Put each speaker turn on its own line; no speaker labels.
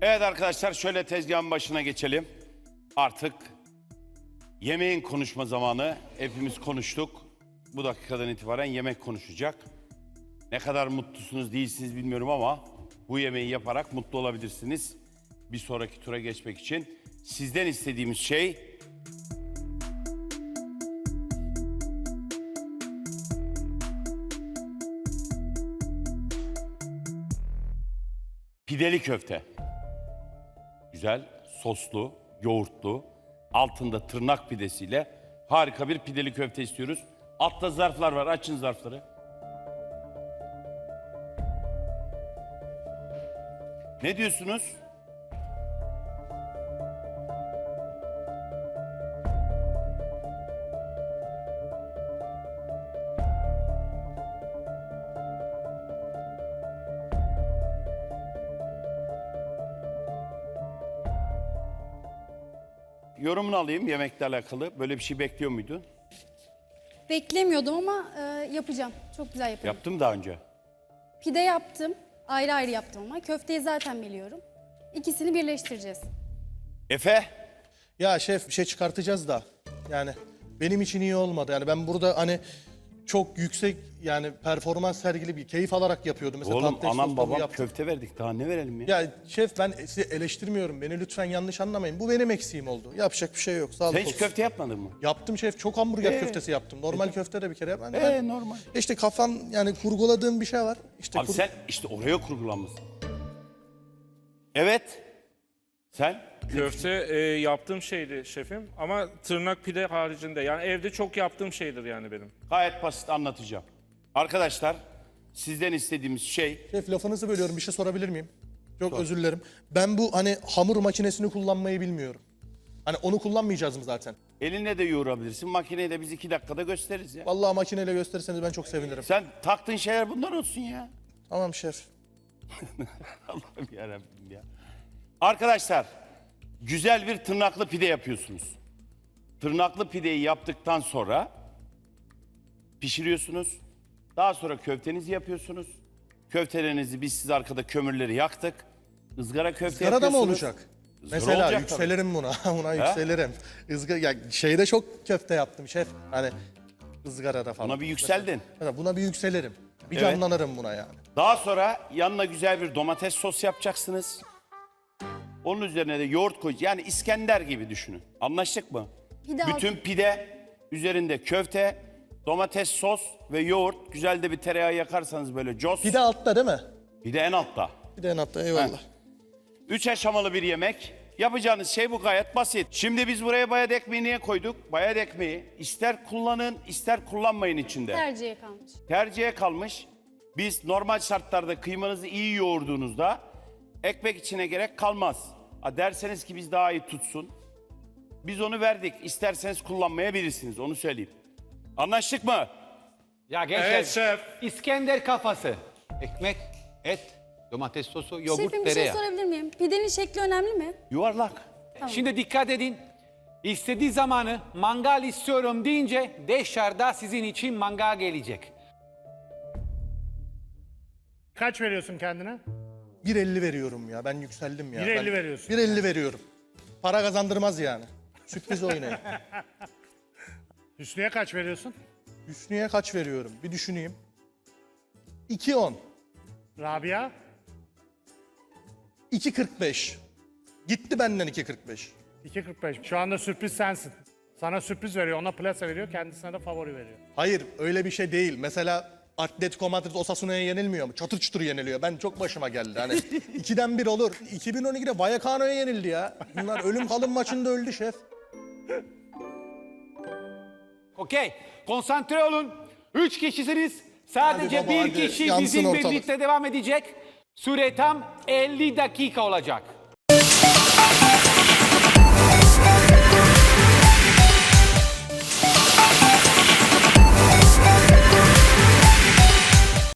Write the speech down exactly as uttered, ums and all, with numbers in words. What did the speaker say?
Evet arkadaşlar şöyle tezgahın başına geçelim. Artık yemeğin konuşma zamanı. Hepimiz konuştuk. Bu dakikadan itibaren yemek konuşacak. Ne kadar mutlusunuz değilsiniz bilmiyorum ama bu yemeği yaparak mutlu olabilirsiniz. Bir sonraki tura geçmek için sizden istediğimiz şey pideli köfte. Güzel, soslu, yoğurtlu, altında tırnak pidesiyle harika bir pideli köfte istiyoruz. Altta zarflar var, açın zarfları. Ne diyorsunuz? Yorumunu alayım yemekle alakalı. Böyle bir şey bekliyor muydun?
Beklemiyordum ama e, yapacağım. Çok güzel yapıyorum.
Yaptım daha önce.
Pide yaptım. Ayrı ayrı yaptım ama. Köfteyi zaten biliyorum. İkisini birleştireceğiz.
Efe?
Ya şef bir şey çıkartacağız da yani benim için iyi olmadı. Yani ben burada hani çok yüksek yani performans sergili bir keyif alarak yapıyordum. Mesela
Oğlum
tatlı
anam
soslu
babam
yaptım.
köfte verdik. Daha ne verelim ya?
Ya şef ben sizi eleştirmiyorum. Beni lütfen yanlış anlamayın. Bu benim eksiğim oldu. Yapacak bir şey yok. Sağlık
Sen hiç
olsun.
köfte yapmadın mı?
Yaptım şef. Çok hamburger
Ee?
köftesi yaptım. Normal köfte de bir kere yapmadım.
Ee, normal.
İşte kafam yani kurguladığım bir şey var. İşte
Abi
kur-
sen işte oraya kurgulanmışsın. Evet. Sen?
Köfte e, yaptığım şeydi şefim ama tırnak pide haricinde. Yani evde çok yaptığım şeydir yani benim.
Gayet basit anlatacağım. Arkadaşlar sizden istediğimiz şey
Şef lafınızı bölüyorum. Bir şey sorabilir miyim? Çok özür dilerim. Ben bu hani hamur makinesini kullanmayı bilmiyorum. Hani onu kullanmayacağız mı zaten?
elinle de yoğurabilirsin. Makineyi de biz iki dakikada gösteririz ya.
Vallahi makineyle gösterirseniz ben çok sevinirim.
Sen taktığın şeyler bunlar olsun ya.
Tamam şef.
Allah'ım yarabbim ya. Arkadaşlar güzel bir tırnaklı pide yapıyorsunuz. Tırnaklı pideyi yaptıktan sonra pişiriyorsunuz. Daha sonra köftenizi yapıyorsunuz. Köftelerinizi biz siz arkada kömürleri yaktık. Izgara köfte
Izgarada mı
yapıyorsunuz.
olacak?
Izgara
Mesela
olacak
yükselirim buna. Buna yükselirim. Izgara, ya şeyde çok köfte yaptım şef. Hani ızgarada falan.
Buna bir yükseldin.
Mesela buna bir yükselirim. Bir
Evet.
canlanırım buna yani.
Daha sonra yanına güzel bir domates sos yapacaksınız. Onun üzerine de yoğurt koyacağız. Yani İskender gibi düşünün. Anlaştık mı?
Pide
Bütün pide, üzerinde köfte, domates sos ve yoğurt. Güzel de bir tereyağı yakarsanız böyle cos.
Bir de altta değil mi?
Bir de en altta.
Bir de en altta eyvallah.
Üç aşamalı bir yemek. Yapacağınız şey bu, gayet basit. Şimdi biz buraya bayat ekmeği niye koyduk? Bayat ekmeği ister kullanın ister kullanmayın içinde.
Tercihe kalmış.
Tercihe kalmış. Biz normal şartlarda kıymanızı iyi yoğurduğunuzda ekmek içine gerek kalmaz. Ha derseniz ki biz daha iyi tutsun. Biz onu verdik. İsterseniz kullanmayabilirsiniz. Onu söyleyeyim. Anlaştık mı?
Ya gençler,
Evet şef.
İskender kafası. Ekmek, et, domates sosu, yoğurt,
Şefim bir şey
tereyağı.
sorabilir miyim? Pidenin şekli önemli mi?
Yuvarlak.
Şimdi dikkat edin. İstediği zamanı mangal istiyorum deyince dışarıda sizin için mangal gelecek.
Kaç veriyorsun kendine?
bir elli veriyorum ya. Ben yükseldim ya.
bir elli
Ben-
veriyorsun.
bir elli veriyorum. Para kazandırmaz yani. Sürpriz oynayın.
Hüsnü'ye kaç veriyorsun?
Hüsnü'ye kaç veriyorum? Bir düşüneyim. iki on.
Rabia?
iki kırk beş. Gitti benden iki kırk beş.
iki kırk beş. Şu anda sürpriz sensin. Sana sürpriz veriyor, ona plase veriyor, kendisine de favori veriyor.
Hayır öyle bir şey değil. Mesela Atletico Madrid Osasuna'ya yenilmiyor mu? Çatır çutur yeniliyor. Ben çok başıma geldi. Hani ikiden bir olur. iki bin on ikide Vallecano'ya yenildi ya. Bunlar ölüm kalım maçında öldü şef.
Okey, konsantre olun. Üç kişisiniz. Sadece
Hadi baba,
bir
hadi.
kişi
Yansın
bizimle
ortalık.
birlikte devam edecek. Süre tam elli dakika olacak.